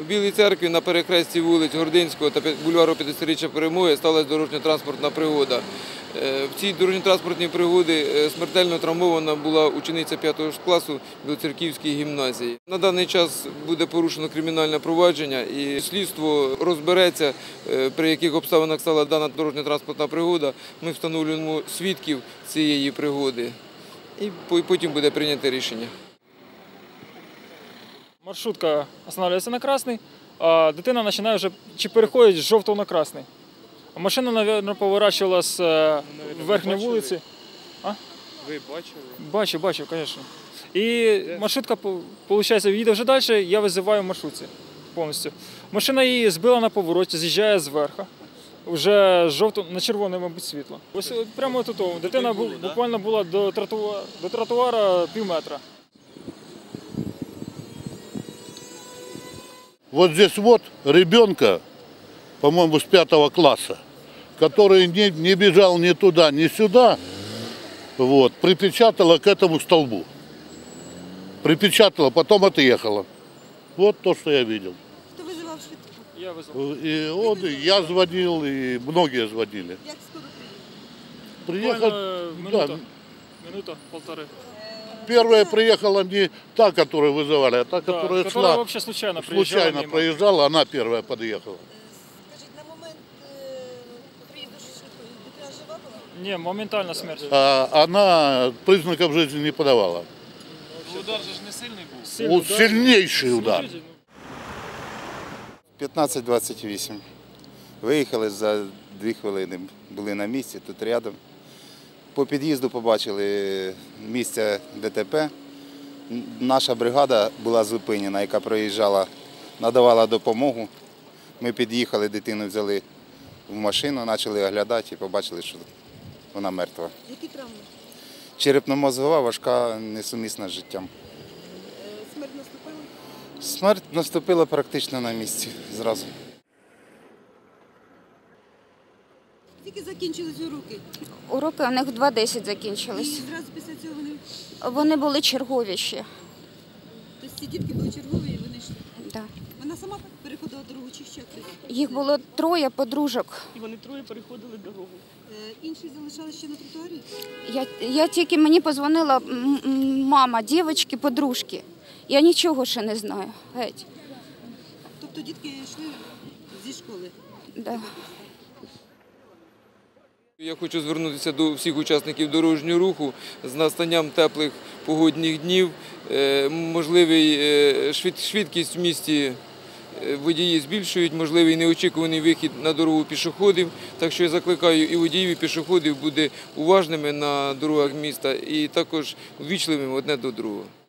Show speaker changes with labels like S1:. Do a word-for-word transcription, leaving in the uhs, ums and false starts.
S1: Білій Церкві на перехресті вулиць Гординського та бульвару п'ятдесятиріччя Перемоги сталася дорожньо-транспортна пригода. В цій дорожньо-транспортній пригоді смертельно травмована була учениця п'ятого класу Білоцерківської гімназії. На даний час буде порушено кримінальне провадження і слідство розбереться, при яких обставинах стала дана дорожньо-транспортна пригода. Ми встановлюємо свідків цієї пригоди і потім буде прийнято рішення.
S2: Маршрутка останавливается на красный, а дитина починає вже чи переходить з жовтого на красний. Машина, мабуть, поворачувала з ну, верхньої вулиці. А?
S3: Ви бачили?
S2: Бачив, бачив, звісно. І маршрутка, виходить, їде вже далі, я визиваю в маршрутці повністю. Машина її збила на повороті, з'їжджає зверху. Вже жовто, на червоне, мабуть, світло. Ось прямо тут. Дитина буквально була до тротуара, до тротуара пів метра.
S4: Вот здесь вот ребенка, по-моему, с пятого класса, который не, не бежал ни туда, ни сюда, вот, припечатала к этому столбу. Припечатала, потом отъехала. Вот то, что я видел.
S5: Кто вызывал швидку?
S2: Я вызвал.
S4: И он, и я звонил, и многие звонили.
S5: Як скоро приїхали?
S2: Приехал, минута,
S4: да,
S2: минута, полторы.
S4: первая приехала не та, которую вызывали, а та,
S2: Да,
S4: которая,
S2: которая
S4: шла,
S2: вообще случайно приезжала
S4: случайно
S2: мимо.
S4: проезжала, она первая подъехала.
S5: Скажіть, на момент е, приїзду швидкої дитина жива була?
S2: Не, моментально смерть.
S4: А она признаков жизни не подавала.
S3: Удар же ж не сильний був.
S2: Сильный
S4: Вот сильнейший удар.
S6: п'ятнадцять двадцять вісім. Виїхали за дві хвилини, були на місці, тут рядом. По під'їзду побачили місце ДТП. Наша бригада була зупинена, яка проїжджала, надавала допомогу. Ми під'їхали, дитину взяли в машину, почали оглядати і побачили, що вона мертва.
S5: Які травми?
S6: Черепно-мозгова, важка, несумісна з життям.
S5: Е, Смерть наступила?
S6: Смерть наступила практично на місці зразу.
S5: Тільки закінчились уроки.
S7: Уроки у них в два десять
S5: І
S7: закінчились.
S5: зразу після цього вони...
S7: Вони були чергові ще.
S5: Тобто ці дітки були чергові і вони йшли?
S7: Да.
S5: Вона сама переходила дорогу чи ще хтось?
S7: Їх було троє подружок.
S8: І вони троє переходили дорогу.
S5: Е, Інші залишалися ще на тротуарі?
S7: Я, я тільки мені позвонила м- м- мама, дівчатки, подружки. Я нічого ще не знаю. Геть.
S5: Тобто дітки йшли зі школи?
S7: Да.
S1: Я хочу звернутися до всіх учасників дорожнього руху з настанням теплих погодних днів. Можливий швидкість в місті водії збільшують, можливий неочікуваний вихід на дорогу пішоходів. Так що я закликаю і водіїв, і пішоходів бути уважними на дорогах міста і також ввічливими одне до другого.